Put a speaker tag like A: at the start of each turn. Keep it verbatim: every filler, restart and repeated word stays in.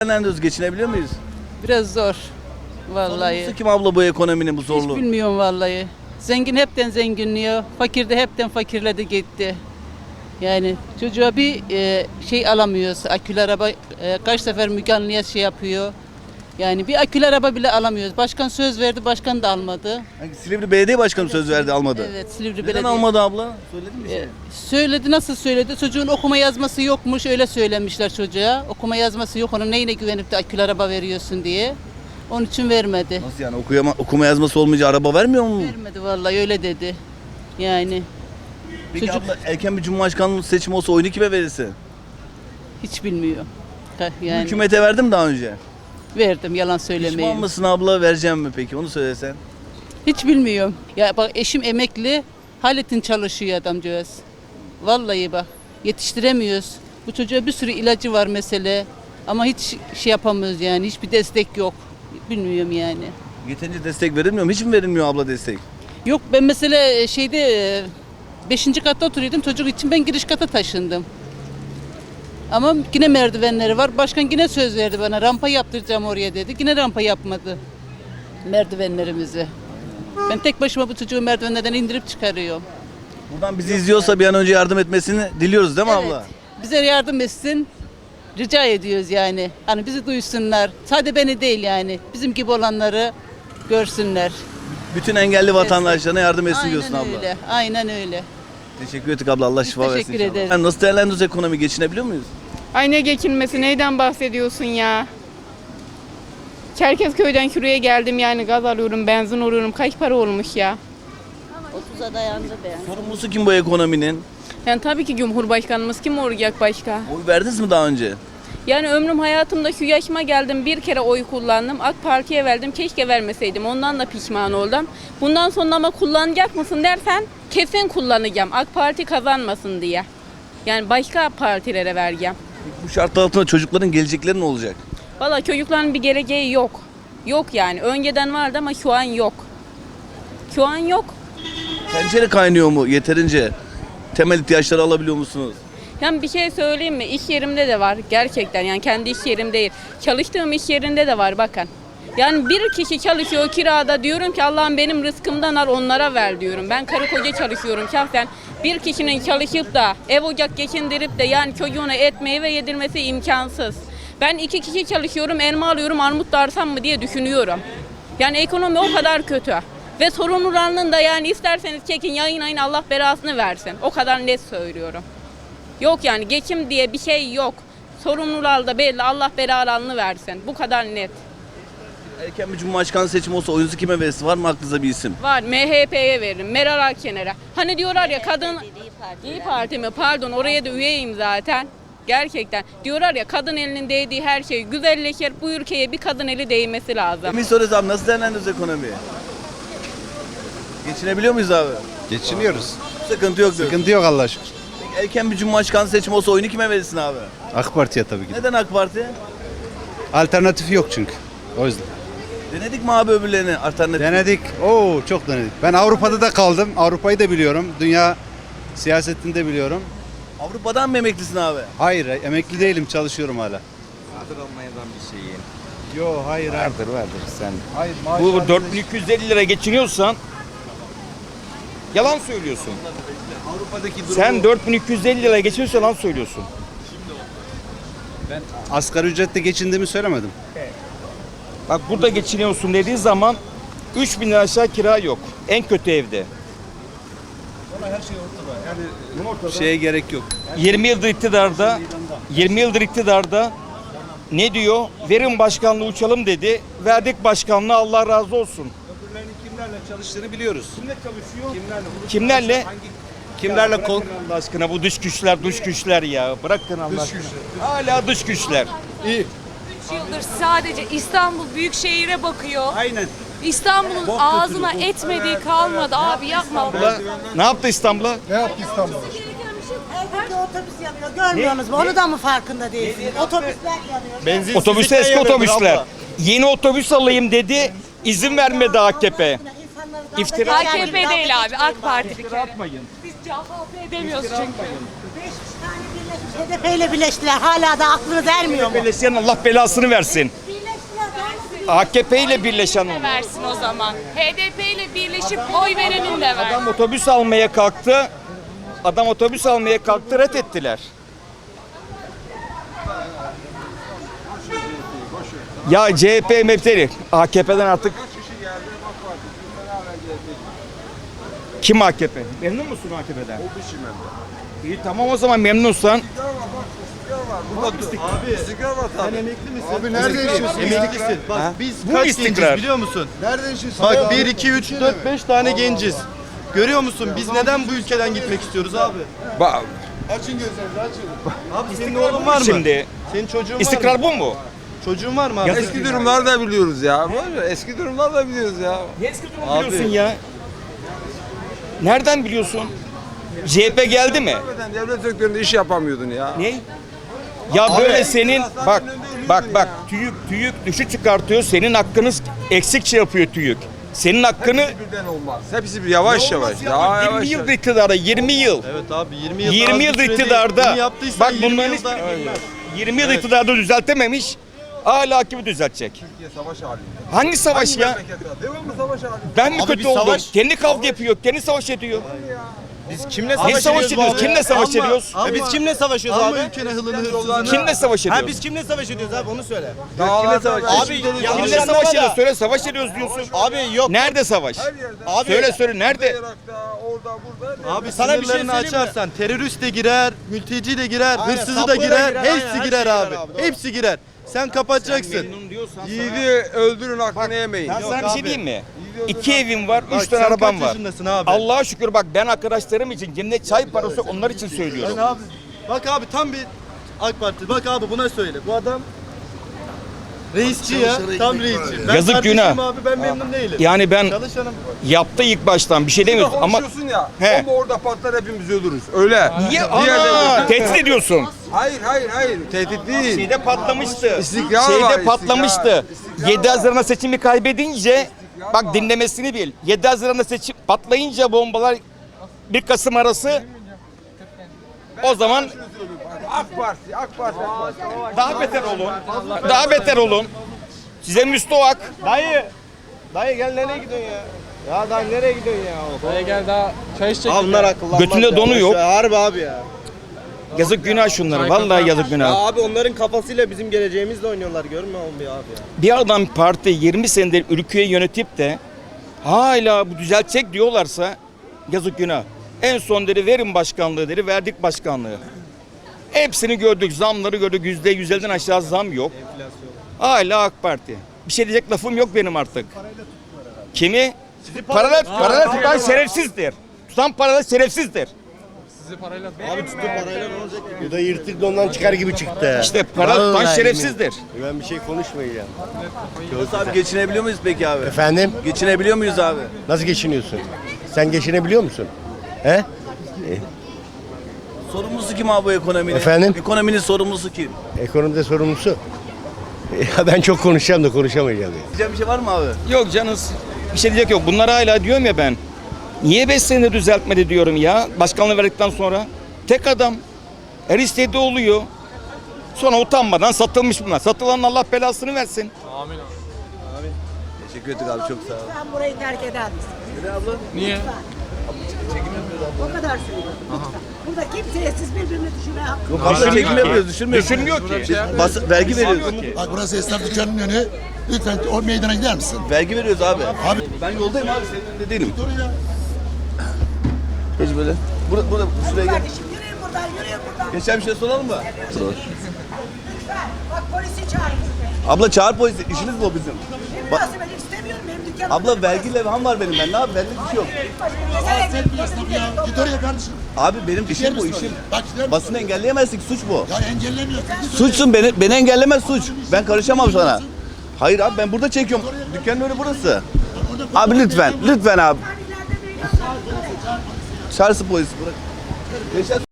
A: Değerlendiriyoruz, geçinebiliyor muyuz?
B: Biraz zor. Vallahi.
A: Sorumlusu kim abla bu ekonominin bu
B: Hiç
A: zorluğu?
B: bilmiyorum vallahi. Zengin hepten zenginliyor. Fakir de hepten fakirledi gitti. Yani çocuğa bir e, şey alamıyoruz. Akülü araba e, kaç sefer Müge Anlı'ya şey yapıyor. Yani bir akülü araba bile alamıyoruz. Başkan söz verdi, başkan da almadı.
A: Hangi Silivri Belediye Başkanı söz verdi, almadı.
B: Evet, Silivri
A: Neden
B: Belediye.
A: almadı abla? Söyledin mi bir şey?
B: E, söyledi, nasıl söyledi? Çocuğun okuma yazması yokmuş, öyle söylemişler çocuğa. Okuma yazması yok, onun neyine güvenip de akülü araba veriyorsun diye. Onun için vermedi.
A: Nasıl yani, okuyama, okuma yazması olmayınca araba vermiyor mu?
B: Vermedi vallahi, öyle dedi. Yani
A: Peki
B: çocuk-
A: abla, erken bir cumhurbaşkanlığı seçimi olsa oyunu kime verirsin?
B: hiç bilmiyor. Yani
A: Hükümete verdim daha önce.
B: verdim, yalan
A: Pişman
B: söylemeyeyim.
A: mısın abla, vereceğim mi peki? Onu söylesen.
B: Hiç bilmiyorum. Ya bak, eşim emekli, Halit'in çalışıyor adamcağız. Vallahi bak, yetiştiremiyoruz. Bu çocuğa bir sürü ilacı var mesele. Ama hiç şey yapamıyoruz yani, hiçbir destek yok. Bilmiyorum yani.
A: Yeterince destek verilmiyor mu? Hiç mi verilmiyor abla destek?
B: Yok, ben mesela şeyde beşinci katta oturuyordum, çocuk için ben giriş kata taşındım. Ama yine merdivenleri var. Başkan yine söz verdi bana, rampa yaptıracağım oraya dedi. Yine rampa yapmadı merdivenlerimizi. Ben tek başıma bu çocuğu merdivenlerden indirip çıkarıyorum.
A: Buradan bizi izliyorsa bir an önce yardım etmesini diliyoruz değil mi
B: Evet,
A: abla?
B: bize yardım etsin. Rica ediyoruz yani. Hani bizi duysunlar. Sadece beni değil yani. Bizim gibi olanları görsünler.
A: Bütün engelli vatandaşlarına yardım etsin
B: Aynen
A: diyorsun abla.
B: öyle. Aynen öyle.
A: Teşekkür ettik abla. Allah şifa versin
B: teşekkür
A: inşallah.
B: ederiz.
A: Yani nasıl değerlendiriyoruz ekonomi? Geçinebiliyor muyuz?
C: Ay ne geçinmesi, neyden bahsediyorsun ya? Çerkezköy'den şuraya geldim yani, gaz alıyorum, benzin alıyorum. Kaç para olmuş ya?
B: otuza dayandı be.
A: Sorumlusu kim bu ekonominin?
C: Yani tabii ki Cumhurbaşkanımız kim olacak başka?
A: Oy verdiniz mi daha önce?
C: Yani ömrüm hayatımda şu yaşıma geldim, bir kere oy kullandım. AK Parti'ye verdim, keşke vermeseydim. Ondan da pişman oldum. Bundan sonra ama kullanacak mısın dersen kesin kullanacağım. AK Parti kazanmasın diye. Yani başka partilere vereceğim.
A: Bu şartlar altında çocukların gelecekleri ne olacak?
C: Valla çocukların bir geleceği yok. Yok yani. Önceden vardı ama şu an yok. Şu an yok.
A: Tencere kaynıyor mu yeterince? Temel ihtiyaçları alabiliyor musunuz?
C: Yani bir şey söyleyeyim mi? İş yerimde de var gerçekten, yani kendi iş yerim değil. Çalıştığım iş yerinde de var bakın. Yani bir kişi çalışıyor kirada, diyorum ki Allah'ım benim rızkımdan al, onlara ver diyorum. Ben karı koca çalışıyorum şahsen. Bir kişinin çalışıp da ev ocak geçindirip de yani çocuğuna et meyve yedirmesi imkansız. Ben iki kişi çalışıyorum, elma alıyorum, armut da arsam mı diye düşünüyorum. Yani ekonomi o kadar kötü. Ve sorumluluğunun da yani isterseniz çekin, yayınlayın, Allah belasını versin. O kadar net söylüyorum. Yok yani, geçim diye bir şey yok. Sorumlular da belli, Allah belalarını versin. Bu kadar net.
A: Erken bir cumhurbaşkanı seçimi olsa oyunuzu kime verirsin? Var mı aklınızda bir isim?
C: Var, M H P'ye veririm, Meral Akşener'e. Hani diyorlar ya kadın... İyi Parti mi? Pardon, oraya da üyeyim zaten. Gerçekten. Diyorlar ya, kadın elinin değdiği her şey güzelleşir. Bu ülkeye bir kadın eli değmesi lazım.
A: Emin soruyoruz abi, nasıl değerlendiriyoruz ekonomiyi? Geçinebiliyor muyuz abi?
D: Geçiniyoruz.
A: Sıkıntı yok diyorsun.
D: Sıkıntı yok Allah'a şükür.
A: Erken bir cumhurbaşkanı seçimi olsa oyunu kime verirsin abi?
D: AK Parti'ye tabii ki.
A: Neden AK Parti?
D: Alternatifi yok çünkü. O yüzden.
A: Denedik mi abi öbürlerini, alternatif?
D: Denedik. Oo çok denedik. Ben Avrupa'da da kaldım. Avrupa'yı da biliyorum. Dünya siyasetini de biliyorum.
A: Avrupa'dan mı emeklisin abi?
D: Hayır, emekli değilim. Çalışıyorum hala.
E: Vardır Almanya'dan bir şeyin.
D: Yo hayır.
E: Vardır vardır sen.
D: Hayır.
E: Bu dört bin iki yüz elli lira geçiniyorsan yalan söylüyorsun.
D: Avrupa'daki durumu.
E: Sen dört bin iki yüz elli lira geçiniyorsan yalan söylüyorsun.
D: Ben asgari ücretle geçindiğimi söylemedim.
E: Bak burada geçiniyorsun dediği zaman üç bin lira aşağı kira yok. En kötü evde.
D: Şeye gerek yok.
E: yirmi yıldır iktidarda yirmi yıldır iktidarda ne diyor? Verin başkanlığı uçalım dedi. Verdik başkanlığı, Allah razı olsun.
D: Öbürlerinin kimlerle çalıştığını biliyoruz. Kimle çalışıyor? Kimlerle?
E: Kimlerle?
D: Kimlerle kol?
E: Allah aşkına bu dış güçler, dış güçler ya. Bırakın Allah aşkına. Hala dış güçler.
D: İyi.
F: üç yıldır sadece İstanbul Büyükşehir'e bakıyor.
D: Aynen.
F: İstanbul'un ağzına etmediği kalmadı abi, yapma.
E: Ne yaptı İstanbul'a?
G: Evdeki otobüs yanıyor. Görmüyorsunuz mu? Onu da mı farkında değilsiniz? Otobüsler yanıyor.
E: Otobüsler, eski otobüsler. Yeni otobüs alayım dedi. İzin vermedi A K P. İftira
F: A K P değil abi, AK Parti bir kere.
E: atmayın.
F: Biz C H P demiyoruz çünkü.
G: Beş tane H D P ile birleştiler. Hala da aklınız ermiyor mu?
E: Birleşen Allah belasını versin.
G: Birleştiler.
E: A K P ile birleşen
F: de
E: oldu.
F: versin o zaman. H D P ile birleşip oy verenin de ver.
E: Adam otobüs almaya kalktı. Adam otobüs almaya kalktı, ret ettiler. Ya C H P mevteri, A K P'den artık kim A K P? Memnun musun A K P'den? İyi tamam o zaman memnunsan.
H: Sen emekli misin? Abi nerede yaşıyorsun? Emeklisin. Bak biz
E: Bu
H: kaç
E: istikrar.
H: genciz biliyor musun? Nerede yaşıyorsun? Bak bir, iki, üç, dört, beş tane genciz. Görüyor musun? Biz neden bu ülkeden gitmek istiyoruz abi?
E: Ba-
H: Açın gözlerinizi açın. Abi senin oğlun var mı?
E: Şimdi
H: Senin çocuğun var mı?
E: istikrar bu mu?
H: Çocuğun var mı abi?
E: Yazık.
I: Eski durumlar da biliyoruz ya. Böyle eski durumlar da biliyoruz ya.
E: Eski durumu biliyorsun ya. Nereden biliyorsun? C H P geldi mi?
I: Hakikaten devlet sektöründe iş yapamıyordun ya.
E: Ne? Ya böyle senin bak bak bak TÜİK TÜİK düşük çıkartıyor. Senin hakkını eksikçe yapıyor TÜİK. Senin hakkını
I: Hepsi birden olmaz. Hepsi bir yavaş yavaş.
E: Ya,
I: Daha
E: yirmi
I: yavaş.
E: yıl iktidarda yirmi yıl.
H: Evet abi yirmi yıl.
E: yirmi yıl iktidarda.
H: Bunu yaptıysan
E: Bak
H: yirmi
E: bunların
H: yılda.
E: hiçbiri bilmez. yirmi yıl iktidarda düzeltememiş. Hala kimi düzeltecek?
I: Türkiye savaş halinde.
E: Hangi savaş
I: Hangi
E: ya?
I: memlekette? Devamlı savaş halinde.
E: Ben mi
H: Abi
E: kötü
H: bir
E: oldum?
H: savaş-
E: Kendi kavga yapıyor, kendi savaş ediyor.
H: Biz kimle
E: savaş
H: savaş
E: ediyoruz? Kimle savaş ediyoruz?
H: E biz kimle savaşıyoruz abi? Alma ülkene hılını hırsızını.
E: Kimle savaş ediyoruz?
H: Ha biz kimle savaş ediyoruz abi onu söyle.
I: Dağlarda savaş.
H: Abi
E: Kimle
H: yanlış
E: savaş
H: anlama
E: ediyoruz?
H: da.
E: Söyle savaş ediyoruz diyorsun.
H: Abi yok.
E: Nerede savaş?
I: Her yerde.
H: Abi,
E: Söyle söyle nerede?
I: Irak'ta, orada, burada.
H: Abi sana bir şey
I: Sınırlarını
H: açarsan terörist de girer, mülteci de girer,
E: Aynen,
H: hırsızı da
E: saplı da
H: girer,
E: girer,
H: hepsi
E: aynen, her
H: girer
E: şey
H: abi.
E: girer abi, doğru.
H: Hepsi girer. Sen kapatacaksın.
E: Memnun diyorsan
I: Yiğidi öldürün hakkını yemeyin.
E: Ben
H: Yok
E: sana bir şey
H: abi.
E: diyeyim mi? İki evim var,
H: Bak,
E: üç tane
H: sen
E: arabam
H: kaç
E: var.
H: yaşındasın abi?
E: Allah'a şükür bak ben arkadaşlarım için cennet çay parası onlar için söylüyorum.
H: Sen abi. Bak abi tam bir AK Parti. Bak abi buna söyle. Bu adam reisçi ya. Tam reisçi. Ben
E: Yazık
H: kardeşim
E: günah.
H: abi ben memnun değilim.
E: Yani ben
H: Çalışanım.
E: yaptı ilk baştan bir şey demiyoruz ama
I: Konuşuyorsun ya.
E: He.
I: Bomba orada patlar hepimiz ölürüz. Öyle.
E: niye
I: Diğer
E: ana
I: devlet-
E: tehdit ediyorsun?
I: Hayır hayır hayır. Tehdit değil.
E: Şeyde patlamıştı.
I: İstikrar
E: Şeyde
I: var,
E: patlamıştı.
I: istikrar.
E: yedi Haziran'da seçimi kaybedince bak dinlemesini bil. yedi Haziran'da seçim patlayınca bombalar bir Kasım arası o zaman
I: AK Parti, AK Parti, AK Parti.
E: daha beter olun. Daha beter olun. Size müstohak.
H: Dayı. Dayı gel nereye gidiyorsun ya? Ya dayı nereye gidiyorsun ya?
J: Dayı gel daha çay içecek.
H: Abi bunlar akıllanmaz.
E: Götünde
H: ya.
E: donu
H: Boş
E: yok.
H: ver, Harbi abi ya.
E: Yazık günah şunlara. Vallahi yazık
H: Ya
E: günah.
H: abi onların kafasıyla bizim geleceğimizle oynuyorlar görmüyor musun abi ya?
E: Bir adam parti yirmi senedir ülkeyi yönetip de hala bu düzeltecek diyorlarsa yazık günah. En son dedi verin başkanlığı dedi verdik başkanlığı. Hepsini gördük zamları gördük yüzde yüz elliden aşağı zam yok. Hala AK Parti. Bir şey diyecek lafım yok benim artık. Kimi? Parayla, parayla tutan şerefsizdir. Tutan parayla şerefsizdir.
H: Abi tutup parayla ne olacak ki? Bu da yırtık dondan çıkar gibi çıktı.
E: İşte para tutan şerefsizdir.
H: Ben bir şey konuşmayacağım.
A: Nasıl abi geçinebiliyor muyuz peki abi?
H: Efendim?
A: Geçinebiliyor muyuz abi?
H: Nasıl geçiniyorsun? Sen geçinebiliyor musun? He?
A: Sorumlusu kim abi bu ekonominin?
H: Efendim?
A: Ekonominin sorumlusu kim?
H: Ekonomide sorumlusu. Ya ben çok konuşacağım da konuşamayacağım. Ya.
A: Diyeceğim bir şey var mı abi?
E: Yok canınız bir şey diyecek yok. Bunlar hala diyorum ya ben. Niye beş senede düzeltmedi diyorum ya. Başkanlığı verdikten sonra. Tek adam. Her istediği oluyor. Sonra utanmadan satılmış bunlar. Satılanın Allah belasını versin.
A: Teşekkür ettik abi çok sağ ol.
G: Sen burayı terk eder misin?
A: Neden abla?
J: Niye?
G: O kadar söylüyorum. Lütfen. Burada kimseye siz birbirini düşürmeye hakkınız yok.
A: Abla çekim yapıyoruz düşürmüyoruz.
E: Düşünmüyor ki.
A: Bas, vergi veriyoruz.
K: Bak burası esnaf dükkanının önü. Lütfen o meydana gider misin?
A: Vergi veriyoruz abi.
K: Abi
A: Ben yoldayım abi senin önünde değilim.
K: dur ya.
A: Geç böyle. Burada, burada şuraya gel.
G: Kardeşim yürüyün buradan, yürüyün buradan.
A: Geçen bir şey soralım mı? Sor.
G: Lütfen. Bak polisi çağırın.
A: Abla çağır polisi. İşiniz bu bizim.
G: Ne
A: Ba-
G: münasebet istemiyorum benim dükkanım.
A: abla vergi levham var benim ben. Ne yapayım? Bende bir şey yok.
K: Sen bir esnaf ya. Git oraya kardeşim.
A: Abi benim
K: Gider
A: işim bu
K: misin
A: işim.
K: oraya? Bak gider misin
A: Basını
K: oraya?
A: engelleyemezsin suç bu.
K: Ya engellemiyorsun. Git oraya.
A: Suçsun beni, beni engellemez suç. Ben karışamam sana. Hayır abi ben burada çekiyorum. Dükkanın önü burası. Abi lütfen, lütfen abi. Çağırsın polisi bırak. Geçen